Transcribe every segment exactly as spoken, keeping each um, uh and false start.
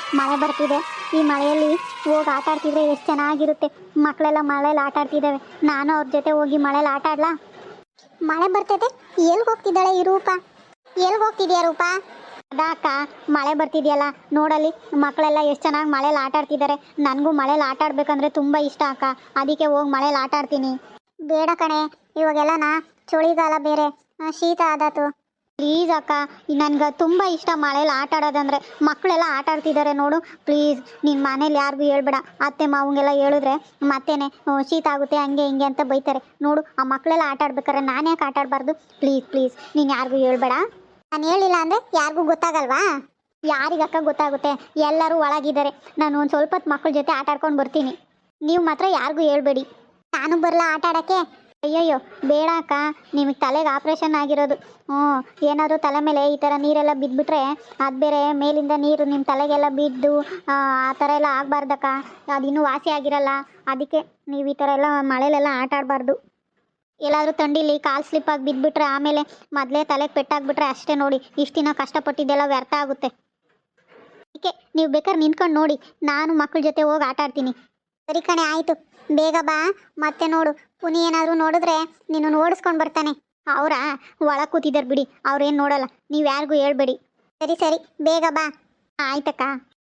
ಮಳೆ ಬರ್ತಿದೆ. ಈ ಮಳೆಯಲ್ಲಿ ಹೋಗಿ ಆಟ ಆಡ್ತಿದ್ರೆ ಎಷ್ಟು ಚೆನ್ನಾಗಿರುತ್ತೆ. ಮಕ್ಕಳೆಲ್ಲ ಮಳೆಯಲ್ಲಿ ಆಟ ಆಡ್ತಿದ್ದಾವೆ. ನಾನು ಅವ್ರ ಜೊತೆ ಹೋಗಿ ಮಳೆಯಲ್ಲಿ ಆಟ ಆಡ್ಲಾ? ಮಳೆ ಬರ್ತೈತೆ. ಎಲ್ಲಿ ಹೋಗ್ತಿದ್ದಾಳೆ ಈ ರೂಪ? ಎಲ್ಲಿ ಹೋಗ್ತಿದ್ಯಾ ರೂಪ? ಅದಾ ಅಕ್ಕ, ಮಳೆ ಬರ್ತಿದೆಯಲ್ಲ ನೋಡಲ್ಲಿ, ಮಕ್ಕಳೆಲ್ಲ ಎಷ್ಟು ಚೆನ್ನಾಗಿ ಮಳೇಲಿ ಆಟ ಆಡ್ತಿದ್ದಾರೆ. ನನಗೂ ಮಳೇಲಿ ಆಟ ಆಡ್ಬೇಕಂದ್ರೆ ತುಂಬ ಇಷ್ಟ ಅಕ್ಕ. ಅದಕ್ಕೆ ಹೋಗಿ ಮಳೇಲಿ ಆಟ ಆಡ್ತೀನಿ. ಬೇಡ ಕಣೆ, ಇವಾಗೆಲ್ಲನ ಚಳಿಗಾಲ ಬೇರೆ, ಶೀತ ಆದಾತು. ಪ್ಲೀಸ್ ಅಕ್ಕ, ನನಗೆ ತುಂಬ ಇಷ್ಟ ಮಳೇಲಿ ಆಟ ಆಡೋದಂದರೆ. ಮಕ್ಕಳೆಲ್ಲ ಆಟ ಆಡ್ತಿದ್ದಾರೆ ನೋಡು. ಪ್ಲೀಸ್ ನಿನ್ನ ಮನೇಲಿ ಯಾರಿಗೂ ಹೇಳ್ಬೇಡ. ಅತ್ತೆ ಮಾವಂಗೆಲ್ಲ ಹೇಳಿದ್ರೆ ಮತ್ತೇನೆ ಶೀತ ಆಗುತ್ತೆ ಹಂಗೆ ಹಿಂಗೆ ಅಂತ ಬೈತಾರೆ ನೋಡು. ಆ ಮಕ್ಕಳೆಲ್ಲ ಆಟ ಆಡ್ಬೇಕಾರೆ ನಾನು ಯಾಕೆ ಆಟ ಆಡಬಾರ್ದು? ಪ್ಲೀಸ್ ಪ್ಲೀಸ್ ನೀನು ಯಾರಿಗೂ ಹೇಳ್ಬೇಡ. ನಾನು ಹೇಳಿಲ್ಲ ಅಂದರೆ ಯಾರಿಗೂ ಗೊತ್ತಾಗಲ್ವಾ? ಯಾರಿಗಕ್ಕ ಗೊತ್ತಾಗುತ್ತೆ? ಎಲ್ಲರೂ ಒಳಗಿದ್ದಾರೆ. ನಾನು ಒಂದು ಸ್ವಲ್ಪ ಹೊತ್ತು ಮಕ್ಕಳ ಜೊತೆ ಆಟ ಆಡ್ಕೊಂಡು ಬರ್ತೀನಿ. ನೀವು ಮಾತ್ರ ಯಾರಿಗೂ ಹೇಳ್ಬೇಡಿ. ನಾನು ಬರಲ್ಲ ಆಟ ಆಡೋಕ್ಕೆ? ಅಯ್ಯಯ್ಯೋ ಬೇಡ ಅಕ್ಕ, ನಿಮಗೆ ತಲೆಗೆ ಆಪ್ರೇಷನ್ ಆಗಿರೋದು. ಹ್ಞೂ, ಏನಾದರೂ ತಲೆ ಮೇಲೆ ಈ ಥರ ನೀರೆಲ್ಲ ಬಿದ್ದುಬಿಟ್ರೆ ಅದು ಬೇರೆ ಮೇಲಿಂದ ನೀರು ನಿಮ್ಮ ತಲೆಗೆಲ್ಲ ಬಿದ್ದು ಆ ಥರ ಎಲ್ಲ ಆಗಬಾರ್ದಕ್ಕ. ಅದು ಇನ್ನೂ ವಾಸಿ ಆಗಿರಲ್ಲ. ಅದಕ್ಕೆ ನೀವು ಈ ಥರ ಎಲ್ಲ ಮಳೆಲೆಲ್ಲ ಆಟ ಆಡಬಾರ್ದು. ಎಲ್ಲಾದರೂ ಥಂಡಿಲಿ ಕಾಲು ಸ್ಲಿಪ್ಪಾಗಿ ಬಿದ್ದುಬಿಟ್ರೆ ಆಮೇಲೆ ಮೊದಲೇ ತಲೆಗೆ ಪೆಟ್ಟಾಗ್ಬಿಟ್ರೆ ಅಷ್ಟೇ ನೋಡಿ, ಇಷ್ಟು ದಿನ ಕಷ್ಟಪಟ್ಟಿದ್ದೆಲ್ಲ ವ್ಯರ್ಥ ಆಗುತ್ತೆ. ಅದಕ್ಕೆ ನೀವು ಬೇಕಾದ್ರೆ ನಿಂತ್ಕೊಂಡು ನೋಡಿ, ನಾನು ಮಕ್ಕಳ ಜೊತೆ ಹೋಗಿ ಆಟ ಆಡ್ತೀನಿ. ಸರಿ ಕಣೆ, ಆಯಿತು, ಬೇಗ ಬಾ. ಮತ್ತೆ ನೋಡು, ಪುನಿ ಏನಾದರೂ ನೋಡಿದ್ರೆ ನಿನ್ನನ್ನು ಓಡಿಸ್ಕೊಂಡು ಬರ್ತಾನೆ. ಅವರ ಒಳಗೆ ಕೂತಿದ್ದಾರೆ ಬಿಡಿ, ಅವ್ರೇನು ನೋಡಲ್ಲ. ನೀವು ಯಾರಿಗೂ ಹೇಳ್ಬೇಡಿ. ಸರಿ ಸರಿ, ಬೇಗ ಬಾ. ಆಯ್ತಕ್ಕ.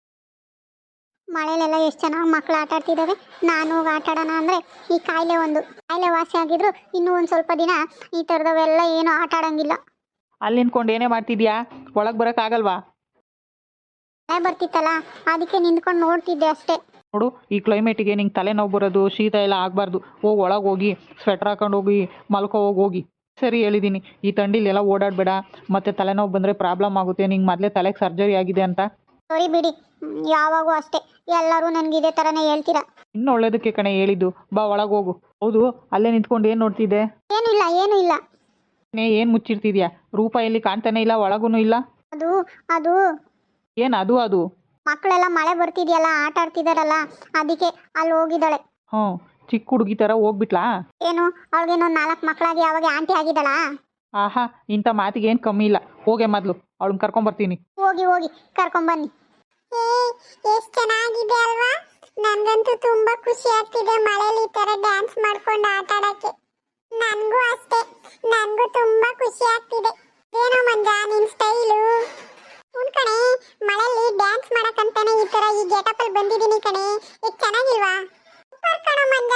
ಮಳೆಲೆಲ್ಲ ಎಷ್ಟು ಚೆನ್ನಾಗಿ ಮಕ್ಕಳು ಆಟ ಆಡ್ತಿದ್ದಾವೆ. ನಾನು ಹೋಗಿ ಆಟ ಆಡೋಣ ಅಂದರೆ ಈ ಕಾಯಿಲೆ ಒಂದು ಕಾಯಿಲೆ ವಾಸಿ ಆಗಿದ್ರು ಇನ್ನೂ ಒಂದು ಸ್ವಲ್ಪ ದಿನ ಈ ಥರದವೆಲ್ಲ ಏನು ಆಟ ಆಡೋಂಗಿಲ್ಲ. ಅಲ್ಲಿ ನಿಂತ್ಕೊಂಡು ಏನೇ ಮಾಡ್ತಿದ್ಯಾ? ಒಳಗೆ ಬರೋಕ್ಕಾಗಲ್ವಾ? ಮಳೆ ಬರ್ತಿತ್ತಲ್ಲ ಅದಕ್ಕೆ ನಿಂತ್ಕೊಂಡು ನೋಡ್ತಿದ್ದೆ ಅಷ್ಟೇ. ನೋಡು, ಈ ಕ್ಲೈಮೇಟಿಗೆ ನಿಂಗೆ ತಲೆನೋವು ಬರೋದು, ಶೀತ ಎಲ್ಲ ಆಗಬಾರ್ದು. ಹೋಗಿ ಒಳಗೆ ಹೋಗಿ ಸ್ವೆಟ್ರ್ ಹಾಕೊಂಡು ಹೋಗಿ ಮಲ್ಕೋ ಹೋಗಿ ಹೋಗಿ ಸರಿ ಹೇಳಿದ್ದೀನಿ. ಈ ಥಂಡಿಲಿ ಎಲ್ಲ ಓಡಾಡಬೇಡ, ಮತ್ತು ತಲೆನೋವು ಬಂದರೆ ಪ್ರಾಬ್ಲಮ್ ಆಗುತ್ತೆ. ನಿಂಗೆ ಮೊದಲೇ ತಲೆಗೆ ಸರ್ಜರಿ ಆಗಿದೆ ಅಂತ. ಸರಿ ಬಿಡಿ, ಯಾವಾಗೂ ಅಷ್ಟೇ ಎಲ್ಲರೂ ನನಗೆ ಇದೇ ಥರನೇ ಹೇಳ್ತೀರಾ. ಇನ್ನು ಒಳ್ಳೇದಕ್ಕೆ ಕಣೆ ಹೇಳಿದ್ದು. ಬಾ ಒಳಗೆ ಹೋಗು. ಹೌದು, ಅಲ್ಲೇ ನಿಂತ್ಕೊಂಡು ಏನು ನೋಡ್ತಿದ್ದೆ? ಏನೂ ಇಲ್ಲ ಏನೂ ಇಲ್ಲ. ಏನು ಮುಚ್ಚಿರ್ತಿದ್ಯಾ? ರೂಪ ಎಲ್ಲಿ ಕಾಣ್ತಾನೆ ಇಲ್ಲ, ಒಳಗೂ ಇಲ್ಲ. ಅದು ಅದು ಏನು ಅದು ಅದು? ಮಕ್ಕಳೆಲ್ಲ ಮಳೆ ಬರ್ತಿದೆಯಲ್ಲ ಆಟ ಆಡ್ತಿದಾರಲ್ಲ ಅದಕ್ಕೆ ಅಲ್ಲಿ ಹೋಗಿದ್ದಾಳೆ. ಹ್ಞೂ, ಚಿಕ್ಕ ಹುಡುಗಿ ಥರ ಹೋಗ್ಬಿಟ್ಲಾ? ಏನು ಅವಳಿಗೇನೋ ನಾಲ್ಕು ಮಕ್ಕಳಾಗಿ ಅವಾಗ ಆಂಟಿ ಆಗಿದ್ದಾಳಾ? ಆಹಾ, ಇಂಥ ಮಾತಿಗೆ ಏನು ಕಮ್ಮಿ ಇಲ್ಲ. ಹೋಗೆ ಮೊದಲು ಅವಳನ್ನ ಕರ್ಕೊಂಬರ್ತೀನಿ. ಹೋಗಿ ಹೋಗಿ ಕರ್ಕೊಂಬನ್ನಿ. ಎಷ್ಟು ಚೆನ್ನಾಗಿದೆ ಅಲ್ವಾ? ನನಗಂತೂ ತುಂಬಾ ಖುಷಿ ಆಗ್ತಿದೆ ಮಳೆಯಲ್ಲಿ ಈ ಥರ ಡ್ಯಾನ್ಸ್ ಮಾಡ್ಕೊಂಡು ಆಟ ಆಡೋಕ್ಕೆ. ನನಗೂ ಅಷ್ಟೇ, ನನಗೂ ತುಂಬಾ ಖುಷಿ ಆಗ್ತಿದೆ. ಏನೋ ಮಂಜ ನಿನ್ನ ಸ್ಟೈಲು. ಹ್ಞೂ ಕಣೆ, ಮಳೆಯಲ್ಲಿ ಡ್ಯಾನ್ಸ್ ಮಾಡಕ್ಕಂತಾನೆ ಈ ಥರ ಈ ಗೆಟಪಲ್ಲಿ ಬಂದಿದ್ದೀನಿ ಕಣೆ. ಎಷ್ಟು ಚೆನ್ನಾಗಿಲ್ವಾ? ಸೂಪರ್ ಕಣೋ ಮಂಜ.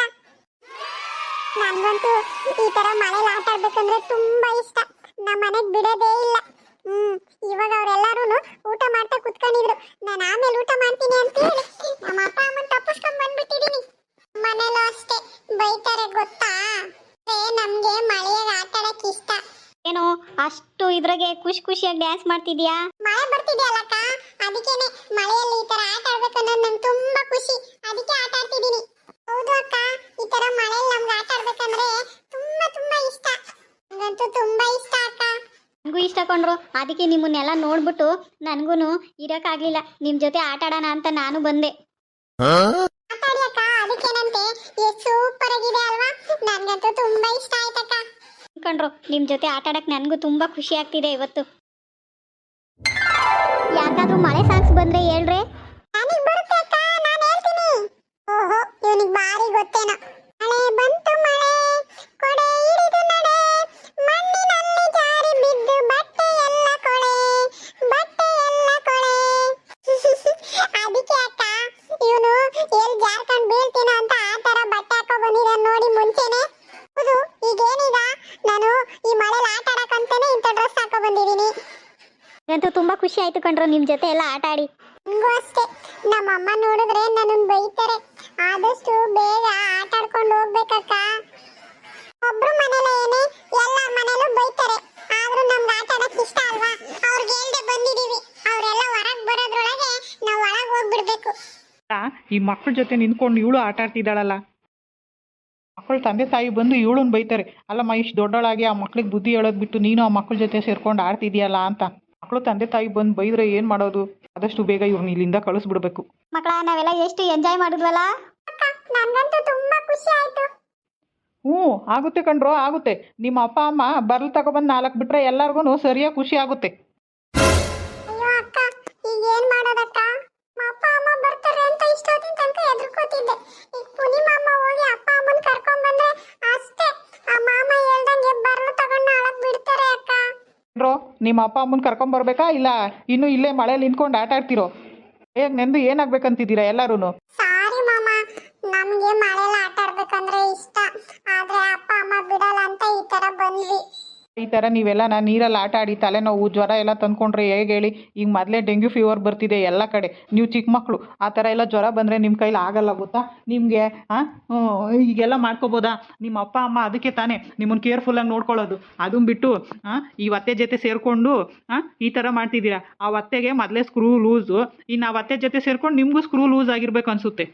ನನಗಂತೂ ಈ ಥರ ಮಳೆಯಲ್ಲಿ ಆಟ ಆಡ್ಬೇಕಂದ್ರೆ ತುಂಬಾ ಇಷ್ಟ. ನಮ್ಮ ಮನೆಗೆ ಬಿಡೋದೇ ಇಲ್ಲ. ಹ್ಮ್ ಇವಾಗ ಅವರೆಲ್ಲರೂ ಊಟ ಮಾಡ್ತಾ ಕುತ್ಕೊಂಡಿದ್ರು. ನಾನು ಆಮೇಲೆ ಊಟ ಮಾಡ್ತೀನಿ ಅಂತ ಹೇಳಿ ನಮ್ಮ ಅಪ್ಪ ಅಮ್ಮನ ತಪ್ಪಿಸ್ಕೊಂಡ್ ಬಂದ್ಬಿಟ್ಟಿದೀನಿ. ಮನೇಲೂ ಅಷ್ಟೇ ಬೈತಾರೆ ಗೊತ್ತಾ? ನಮ್ಗೆ ಮಳೆಯಾಗ ಆಟ ಆಡಕ್ ಇಷ್ಟ. ಏನು ಅಷ್ಟು ಇದ್ರಾಗೆ ಖುಷಿ ಖುಷಿಯಾಗಿ ಡ್ಯಾನ್ಸ್ ಮಾಡ್ತಿದ್ಯಾ? ಮಳೆ ಬರ್ತಿದ್ಯಲ್ಲಕ್ಕ, ಅದಕ್ಕೇನೆ ಮಳೆಯಲ್ಲಿ ಈ ತರ ಆಟ ಆಡ್ಬೇಕು ಅನ್ನೋದು ನಂಗೆ ತುಂಬಾ ಖುಷಿ. ಅದಕ್ಕೆ ಆಟ ಆಡ್ತಿದ್ದೀನಿ. ಹೌದು ಅಕ್ಕ, ಈ ತರ ಮಳೆಯಲ್ಲಿ ನಮ್ಗೆ ಆಟ ಆಡ್ಬೇಕಂದ್ರೆ ತುಂಬಾ ತುಂಬಾ ಇಷ್ಟ. ನಂಗಂತೂ ತುಂಬಾ ಇಷ್ಟ ಅಕ್ಕ. ನನಗೂ ಇಷ್ಟ ಕೊಂಡ್ರು. ಅದಕ್ಕೆ ನಿಮ್ಮನ್ನೆಲ್ಲ ನೋಡ್ಬಿಟ್ಟು ನನಗೂ ಇರೋಕ್ಕಾಗಲಿಲ್ಲ. ನಿಮ್ಮ ಜೊತೆ ಆಟ ಆಡೋಣ ಅಂತ ನಾನು ಬಂದೆ. ಆಟಾಡಿ ಅಕ್ಕ, ಅದಕ್ಕೇನಂತೆ ಎಷ್ಟು ಸೂಪರ್ ಆಗಿದೆ ಅಲ್ವಾ? ನನಗಂತೂ ತುಂಬಾ ಇಷ್ಟ ಆಯ್ತಕ್ಕ. ಕಂಡ್ರು, ನಿಮ್ಮ ಜೊತೆ ಆಟ ಆಡಕ್ಕೆ ನನಗೂ ತುಂಬಾ ಖುಷಿ ಆಗ್ತಿದೆ ಇವತ್ತು. ಯಾಕಾದ್ರೂ ಮಳೆ ಸಾಂಗ್ಸ್ ಬಂದ್ರೆ ಹೇಳ್ರೆ. ನನಗೆ ಬರುತ್ತೆ ಅಕ್ಕ, ನಾನು ಹೇಳ್ತೀನಿ. ಓಹೋ, ಇವನಿಗೆ ಬಾರಿ ಗೊತ್ತೇನೋ. ಮಳೆ ಬಂತು ಮಳೆ ಕೊಡೆ ಹಿಡಿದು ನಡೆ, ಮಣ್ಣಿನಲ್ಲಿ ಜಾರಿ ಬಿದ್ದು ಬಟ್ಟೆ ಎಲ್ಲ ಕೊಳೆ, ಬಟ್ಟೆ ಎಲ್ಲ ಕೊಳೆ. ಅದಕ್ಕೆ ಅಕ್ಕ ಇವನು ಎಲ್ಲಿ ಜಾರ್ಕೊಂಡು ಬೀಳ್ತೀನೋ ಅಂತ ಆ ತರ ಬಟ್ಟೆ ಹಾಕೋ ಬಂದಿದ್ದಾನೆ ನೋಡಿ ಮುಂಚೆನೆ. ಹೌದು, ಈಗೇನೀಗ ನಾನು ಈ ಮಳೆಲಿ ಆಟ ಆಡಕ್ಕಂತಾನೆ ಇಂಥ ಡ್ರೆಸ್ ಹಾಕೋ ಬಂದಿದ್ದೀನಿ. ನಂತೂ ತುಂಬಾ ಖುಷಿ ಆಯ್ತು ಕಣ್ರು ನಿಮ್ಮ ಜೊತೆ ಎಲ್ಲ ಆಟ ಆಡಿ. ನನಗೂ ಅಷ್ಟೇ. ನಮ್ಮ ಅಮ್ಮ ನೋಡಿದ್ರೆ ನನ್ನನ್ನು ಬೈತಾರೆ. ಆದಷ್ಟು ಬೇಗ ಆಟ ಆಡ್ಕೊಂಡು ಹೋಗ್ಬೇಕಕ್ಕ. ಒಬ್ರು ಮನೇಲಿ ಏನೇ ಎಲ್ಲರ ಮನೇಲೂ ಬೈತಾರೆ. ಆದ್ರೂ ನಮ್ಗೆ ಆಟ ಆಡಕ್ ಇಷ್ಟ ಅಲ್ವಾ? ಅವ್ರಿಗೆ ಹೇಳ್ದೆ ಬಂದಿದೀವಿ. ಅವರೆಲ್ಲ ಹೊರಗೆ ಬರೋದ್ರೊಳಗೆ ನಾವು ಒಳಗೆ ಹೋಗ್ಬಿಡ್ಬೇಕು. ಈ ಮಕ್ಕಳ ಜೊತೆ ನಿಂತ್ಕೊಂಡು ಇವಳು ಆಟ ಆಡ್ತಿದ್ದಾಳಲ್ಲ, ಮಕ್ಕಳ ತಂದೆ ತಾಯಿ ಬಂದು ಇವಳನ್ನ ಬೈತಾರೆ. ಅಲ್ಲಮ್ಮ, ಇಷ್ಟು ದೊಡ್ಡವಳಾಗಿ ಆ ಮಕ್ಳಿಗೆ ಬುದ್ಧಿ ಹೇಳೋದು ಬಿಟ್ಟು ನೀನು ಆ ಮಕ್ಕಳ ಜೊತೆ ಸೇರ್ಕೊಂಡು ಆಡ್ತಿದ್ಯಲ್ಲ ಅಂತ. ಮಕ್ಕಳು ತಂದೆ ತಾಯಿ ಬಂದು ಬೈದ್ರೆ ಏನು ಮಾಡೋದು? ಆದಷ್ಟು ಬೇಗ ಇವ್ರನ್ನ ಇಲ್ಲಿಂದ ಕಳಿಸ್ಬಿಡ್ಬೇಕು. ಮಕ್ಕಳ, ನಾವೆಲ್ಲ ಎಷ್ಟು ಎಂಜಾಯ್ ಮಾಡಿದ್ವಲ್ಲ. ನನಗಂತೂ ತುಂಬಾ ಖುಷಿ ಆಯ್ತು. ಹ್ಞೂ ಆಗುತ್ತೆ ಕಣ್ರೋ, ಆಗುತ್ತೆ. ನಿಮ್ಮ ಅಪ್ಪ ಅಮ್ಮ ಬರ್ಲ್ ತಗೊಬಂದು ನಾಲ್ಕು ಬಿಟ್ರೆ ಎಲ್ಲರಿಗೂ ಸರಿಯಾಗಿ ಖುಷಿ ಆಗುತ್ತೆ. ಅಯ್ಯೋ ಅಕ್ಕ, ಈಗ ಏನು ಮಾಡೋದಕ್ಕ? ನಮ್ಮ ಅಪ್ಪ ನಿಮ್ಮ ಅಪ್ಪ ಅಮ್ಮನ ಕರ್ಕೊಂಬರ್ಬೇಕಾ ಇಲ್ಲ ಇನ್ನೂ ಇಲ್ಲೇ ಮಳೇಲಿ ನಿಂತ್ಕೊಂಡು ಆಟ ಆಡ್ತಿರೋ? ಹೇಗೆ ನೆಂದು ಏನಾಗ್ಬೇಕಂತಿದ್ದೀರಾ ಎಲ್ಲರೂ? ಸಾರಿ ಮಾಮ, ನಮ್ಗೆ ಮಳೆಲ್ಲ ಆಟ ಆಡ್ಬೇಕಂದ್ರೆ ಇಷ್ಟ, ಆದ್ರೆ ಅಪ್ಪ ಅಮ್ಮ ಬಿಡಲ್ಲ ಅಂತ ಈ ತರ ಬಂದ್ವಿ. ಈ ಥರ ನೀವೆಲ್ಲ ನಾನು ನೀರಲ್ಲಿ ಆಟ ಆಡಿ ತಲೆನೋವು ಜ್ವರ ಎಲ್ಲ ತಂದ್ಕೊಂಡ್ರೆ ಹೇಗೆ ಹೇಳಿ? ಈಗ ಮೊದಲೇ ಡೆಂಗ್ಯೂ ಫೀವರ್ ಬರ್ತಿದೆ ಎಲ್ಲ ಕಡೆ. ನೀವು ಚಿಕ್ಕ ಮಕ್ಕಳು, ಆ ಥರ ಎಲ್ಲ ಜ್ವರ ಬಂದರೆ ನಿಮ್ಮ ಕೈಲಿ ಆಗಲ್ಲ ಗೊತ್ತಾ ನಿಮಗೆ? ಹಾಂ, ಈಗೆಲ್ಲ ಮಾಡ್ಕೋಬೋದಾ? ನಿಮ್ಮ ಅಪ್ಪ ಅಮ್ಮ ಅದಕ್ಕೆ ತಾನೇ ನಿಮ್ಮನ್ನು ಕೇರ್ಫುಲ್ಲಾಗಿ ನೋಡ್ಕೊಳ್ಳೋದು. ಅದನ್ನು ಬಿಟ್ಟು ಹಾಂ ಈ ಒತ್ತೆ ಜೊತೆ ಸೇರಿಕೊಂಡು ಹಾಂ ಈ ಥರ ಮಾಡ್ತಿದ್ದೀರಾ. ಆ ಒತ್ತೆಗೆ ಮೊದಲೇ ಸ್ಕ್ರೂ ಲೂಸು, ಇನ್ನು ಆ ಒತ್ತೆ ಜೊತೆ ಸೇರ್ಕೊಂಡು ನಿಮಗೂ ಸ್ಕ್ರೂ ಲೂಸ್ ಆಗಿರ್ಬೇಕು ಅನಿಸುತ್ತೆ.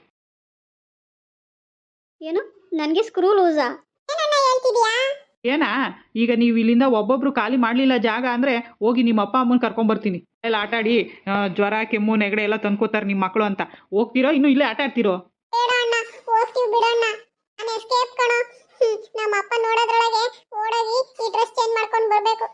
ಏನು ನನಗೆ ಸ್ಕ್ರೂ ಲೂಸಾ? ಏನನ್ನ ಹೇಳ್ತಿದ್ಯಾ? ಏನಾ ಈಗ ನೀವು ಇಲ್ಲಿಂದ ಒಬ್ಬೊಬ್ರು ಖಾಲಿ ಮಾಡಲಿಲ್ಲ ಜಾಗ ಅಂದರೆ ಹೋಗಿ ನಿಮ್ಮ ಅಪ್ಪ ಅಮ್ಮನ ಕರ್ಕೊಂಬರ್ತೀನಿ. ಎಲ್ಲ ಆಟ ಆಡಿ ಆ, ಜ್ವರ ಕೆಮ್ಮು ನೆಗಡೆ ಎಲ್ಲ ತಂದ್ಕೋತಾರೆ ನಿಮ್ಮ ಮಕ್ಕಳು ಅಂತ. ಹೋಗ್ತಿರೋ ಇನ್ನೂ ಇಲ್ಲೇ ಆಟ ಆಡ್ತಿರೋ? ಬೇಡ ಅಣ್ಣ, ಹೋಗ್ತೀವಿ ಬಿಡಣ್ಣ. ನಾನು ಎಸ್ಕೇಪ್ ಕಣೋ. ಹ್ಮ್, ನಮ್ಮ ಅಪ್ಪ ನೋಡೋದ್ರೊಳಗೆ ಓಡೋಗಿ ಈ ಡ್ರೆಸ್ ಚೇಂಜ್ ಮಾಡ್ಕೊಂಡು ಬರ್ಬೇಕು.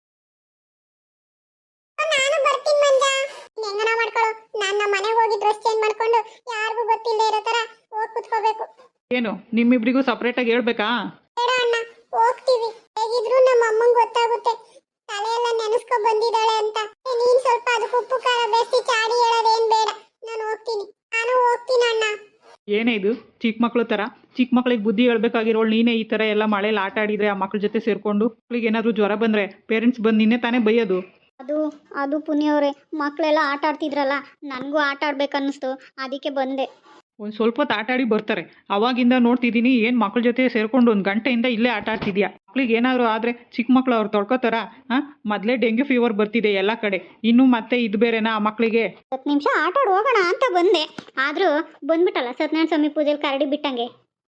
ನಾನು ಬರ್ತೀನಿ ಮಂಜ. ಹೆಂಗನ ಮಾಡ್ಕೊಳ್ಳೋ, ನಾನು ನಮ್ಮ ಮನೆಗೆ ಹೋಗಿ ಡ್ರೆಸ್ ಚೇಂಜ್ ಮಾಡ್ಕೊಂಡು ಯಾರಿಗೂ ಗೊತ್ತಿಲ್ಲದೆ ಇರೋ ತರ ಹೋಗಿ ಕುತ್ಕೋಬೇಕು. ಏನು ನಿಮ್ಮಿಬ್ರಿಗೂ ಸಪ್ರೇಟಾಗಿ ಹೇಳ್ಬೇಕಾ? ಬೇಡ ಅಣ್ಣ, ಹೋಗ್ತೀವಿ. ಹೇಗಿದ್ರು ನಮ್ಮ ಅಮ್ಮಂಗೆ ಗೊತ್ತಾಗುತ್ತೆ ತಲೆಯೆಲ್ಲ ನೆನೆಸ್ಕೊ ಬಂದಿದ್ದಾಳೆ ಅಂತ. ನೀನ್ ಸ್ವಲ್ಪ ಅದಕ್ಕೆ ಉಪ್ಪು ಖಾರ ಬೆರೆಸಿ ಚಾಡಿ ಹೇಳೋದೇನ್ ಬೇಡ. ನಾನು ಹೋಗ್ತೀನಿ, ನಾನು ಹೋಗ್ತೀನಿ ಅಣ್ಣ. ಏನೇ ಇದು ಚಿಕ್ಕ ಮಕ್ಳು ಥರ? ಚಿಕ್ಕ ಮಕ್ಳಿಗೆ ಬುದ್ಧಿ ಹೇಳ್ಬೇಕಾಗಿರೋಳು ನೀನೇ ಈ ಥರ ಎಲ್ಲ ಮಳೇಲಿ ಆಟ ಆಡಿದರೆ ಆ ಮಕ್ಳ ಜೊತೆ ಸೇರಿಕೊಂಡು ಮಕ್ಳಿಗೆ ಏನಾದರೂ ಜ್ವರ ಬಂದರೆ ಪೇರೆಂಟ್ಸ್ ಬಂದು ನಿನ್ನೆ ತಾನೇ ಬೈಯೋದು. ಅದು ಅದು ಪುನಿಯವರೇ, ಮಕ್ಕಳೆಲ್ಲ ಆಟ ಆಡ್ತಿದ್ರಲ್ಲ, ನನಗೂ ಆಟ ಆಡ್ಬೇಕನ್ನಿಸ್ತು, ಅದಕ್ಕೆ ಬಂದೆ. ಒಂದು ಸ್ವಲ್ಪ ಹೊತ್ತು ಆಟ ಆಡಿ ಬರ್ತಾರೆ. ಅವಾಗಿಂದ ನೋಡ್ತಿದ್ದೀನಿ ಏನು ಮಕ್ಳ ಜೊತೆ ಸೇರಿಕೊಂಡು ಒಂದು ಗಂಟೆಯಿಂದ ಇಲ್ಲೇ ಆಟ ಆಡ್ತಿದ್ಯಾ. ಮಕ್ಳಿಗೆ ಏನಾದರೂ ಆದರೆ ಚಿಕ್ಕ ಮಕ್ಳು ಅವ್ರು ತೊಳ್ಕೊತಾರ? ಹಾಂ, ಮೊದಲೇ ಡೆಂಗ್ಯೂ ಫೀವರ್ ಬರ್ತಿದೆ ಎಲ್ಲ ಕಡೆ, ಇನ್ನೂ ಮತ್ತೆ ಇದು ಬೇರೆನಾ ಆ ಮಕ್ಕಳಿಗೆ? ಹತ್ತು ನಿಮಿಷ ಆಟ ಆಡಿ ಹೋಗೋಣ ಅಂತ ಬಂದೆ, ಆದರೂ ಬಂದ್ಬಿಟ್ಟಲ್ಲ ಸತ್ಯನಾರಾಯಣ ಸ್ವಾಮಿ ಪೂಜೆಲಿ ಕರಡಿ ಬಿಟ್ಟಂಗೆ.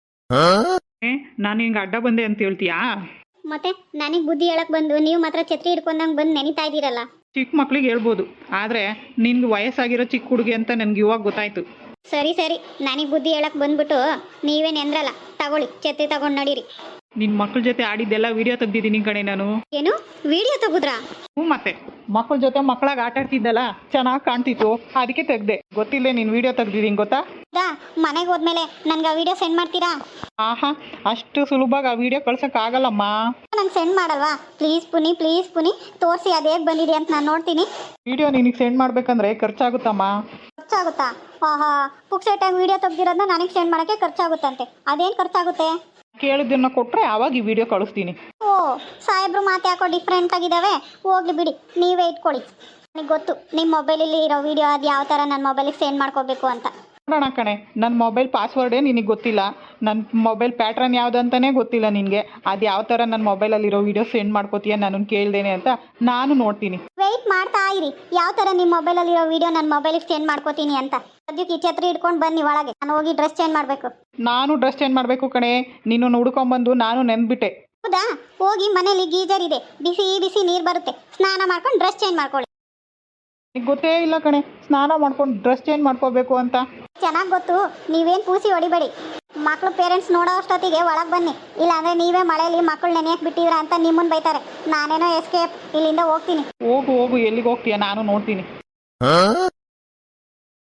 ಏ ನಾನು ಹಿಂಗೆ ಅಡ್ಡ ಬಂದೆ ಅಂತ ಹೇಳ್ತೀಯಾ? ಮತ್ತೆ ನನಗೆ ಬುದ್ಧಿ ಹೇಳಕ್ ಬಂದು ನೀವು ಮಾತ್ರ ಛತ್ರಿ ಹಿಡ್ಕೊಂಡಂಗೆ ಬಂದು ನೆನಿತಾ ಇದ್ದೀರಲ್ಲ. ಚಿಕ್ಕ ಮಕ್ಳಿಗೆ ಹೇಳ್ಬೋದು, ಆದರೆ ನಿನ್ಗೆ ವಯಸ್ಸಾಗಿರೋ ಚಿಕ್ಕ ಹುಡುಗಿ ಅಂತ ನನಗೆ ಇವಾಗ ಗೊತ್ತಾಯ್ತು. ಸರಿ ಸರಿ, ನನಗೆ ಬುದ್ಧಿ ಹೇಳಕ್ ಬಂದ್ಬಿಟ್ಟು ನೀವೇನು ಎಂದ್ರಲ್ಲ, ತಗೊಳ್ಳಿ ಛತ್ರಿ ತಗೊಂಡು ನಡೀರಿ. ನಿನ್ನ ಮಕ್ಳ ಜೊತೆ ಆಡಿದ್ದೆಲ್ಲ ವಿಡಿಯೋ ತೆಗ್ದಿದ್ದೀನಿ ಕಣೆ ನಾನು. ಏನು ವಿಡಿಯೋ ತೆಗುದ್ರಾ? ಹ್ಞೂ, ಮತ್ತೆ ಮಕ್ಳ ಜೊತೆ ಮಕ್ಕಳಾಗ ಆಟ ಆಡ್ತಿದ್ದಲ್ಲ, ಚೆನ್ನಾಗಿ ಕಾಣ್ತಿತ್ತು, ಅದಕ್ಕೆ ತೆಗ್ದೆ. ಗೊತ್ತಿಲ್ಲ ನೀನು ವಿಡಿಯೋ ತೆಗ್ದಿದ್ದೀನಿ ಗೊತ್ತಾ? ದಾ ಮನೆಗೆ ಹೋದ್ಮೇಲೆ ನನಗೆ ಆ ವಿಡಿಯೋ ಸೆಂಡ್ ಮಾಡ್ತೀರಾ? ಆಹಾ, ಅಷ್ಟು ಸುಲಭವಾಗಿ ಆ ವಿಡಿಯೋ ಕಳ್ಸೋಕ್ಕಾಗಲ್ಲಮ್ಮ. ನಂಗೆ ಸೆಂಡ್ ಮಾಡಲ್ವಾ? ಪ್ಲೀಸ್ ಪುನಿ, ಪ್ಲೀಸ್ ಪುನಿ, ತೋರಿಸಿ ಅದು ಹೇಗೆ ಬಂದಿದೆ ಅಂತ ನಾನು ನೋಡ್ತೀನಿ. ವಿಡಿಯೋ ನಿನಗೆ ಸೆಂಡ್ ಮಾಡಬೇಕಂದ್ರೆ ಖರ್ಚಾಗುತ್ತಮ್ಮ. ಖರ್ಚಾಗುತ್ತಾ? ಆಹಾ, ಪುಕ್ಸೆಟಾಗಿ ವಿಡಿಯೋ ತೆಗ್ದಿರೋದನ್ನ ನನಗೆ ಸೆಂಡ್ ಮಾಡೋಕ್ಕೆ ಖರ್ಚಾಗುತ್ತಂತೆ. ಅದೇನು ಖರ್ಚಾಗುತ್ತೆ? ಕೇಳಿದ್ದನ್ನ ಕೊಟ್ಟರೆ ಆವಾಗ ಈ ವಿಡಿಯೋ ಕಳಿಸ್ತೀನಿ. ಓ, ಸಾಹೇಬ್ರು ಮಾತು ಯಾಕೋ ಡಿಫ್ರೆಂಟ್ ಆಗಿದ್ದಾವೆ. ಹೋಗ್ಲಿ ಬಿಡಿ, ನೀವೇ ಇಟ್ಕೊಳ್ಳಿ. ನನಗೆ ಗೊತ್ತು ನಿಮ್ಮ ಮೊಬೈಲಲ್ಲಿ ಇರೋ ವಿಡಿಯೋ ಅದು ಯಾವ ಥರ ನನ್ನ ಮೊಬೈಲಿಗೆ ಸೆಂಡ್ ಮಾಡ್ಕೋಬೇಕು ಅಂತ. ನೋಡೋಣ ಕಣೆ, ನನ್ನ ಮೊಬೈಲ್ ಪಾಸ್ವರ್ಡೇ ನಿನಗೆ ಗೊತ್ತಿಲ್ಲ, ನನ್ನ ಮೊಬೈಲ್ ಪ್ಯಾಟ್ರನ್ ಯಾವುದಂತಲೇ ಗೊತ್ತಿಲ್ಲ ನಿನಗೆ. ಅದು ಯಾವ ಥರ ನನ್ನ ಮೊಬೈಲಲ್ಲಿರೋ ವಿಡಿಯೋ ಸೆಂಡ್ ಮಾಡ್ಕೋತೀಯ ನನ್ನನ್ನು ಕೇಳ್ದೇನೆ ಅಂತ ನಾನು ನೋಡ್ತೀನಿ. ವೆಯ್ಟ್ ಮಾಡ್ತಾ ಇರಿ, ಯಾವ ಥರ ನಿಮ್ಮ ಮೊಬೈಲಲ್ಲಿರೋ ವಿಡಿಯೋ ನನ್ನ ಮೊಬೈಲಿಗೆ ಸೆಂಡ್ ಮಾಡ್ಕೋತೀನಿ ಅಂತ. ಸದ್ಯಕ್ಕೆ ಈ ಛತ್ರಿ ಇಟ್ಕೊಂಡು ಬನ್ನಿ ಒಳಗೆ, ನಾನು ಹೋಗಿ ಡ್ರೆಸ್ ಚೇಂಜ್ ಮಾಡಬೇಕು. ನಾನು ಡ್ರೆಸ್ ಚೇಂಜ್ ಮಾಡಬೇಕು ಕಣೆ, ನೀನು ಹುಡ್ಕೊಂಬಂದು ನಾನು ನೆನ್ಬಿಟ್ಟೆ. ಹೌದಾ? ಹೋಗಿ ಮನೇಲಿ ಗೀಜರ್ ಇದೆ, ಬಿಸಿ ಬಿಸಿ ನೀರು ಬರುತ್ತೆ, ಸ್ನಾನ ಮಾಡ್ಕೊಂಡು ಡ್ರೆಸ್ ಚೇಂಜ್ ಮಾಡ್ಕೊಳ್ಳಿ. ನಿಗೆ ಗೊತ್ತೇ ಇಲ್ಲ ಕಣೆ ಸ್ನಾನ ಮಾಡ್ಕೊಂಡು ಡ್ರೆಸ್ ಚೇಂಜ್ ಮಾಡ್ಕೋಬೇಕು ಅಂತ. ಚೆನ್ನಾಗಿ ಗೊತ್ತು, ನೀವೇನು ಪೂಸಿ ಹೊಡಿಬೇಡಿ. ಮಕ್ಕಳು ಪೇರೆಂಟ್ಸ್ ನೋಡೋ ಅಷ್ಟೊತ್ತಿಗೆ ಒಳಗೆ ಬನ್ನಿ, ಇಲ್ಲಾಂದರೆ ನೀವೇ ಮಳೆಯಲ್ಲಿ ಮಕ್ಕಳು ನೆನೆಯಕ್ಕೆ ಬಿಟ್ಟಿದ್ರ ಅಂತ ನಿಮ್ಮನ್ನು ಬೈತಾರೆ. ನಾನೇನೋ ಎಸ್ಕೇಪ್, ಇಲ್ಲಿಂದ ಹೋಗ್ತೀನಿ. ಹೋಗು ಹೋಗು, ಎಲ್ಲಿಗೆ ಹೋಗ್ತೀಯ ನಾನು ನೋಡ್ತೀನಿ.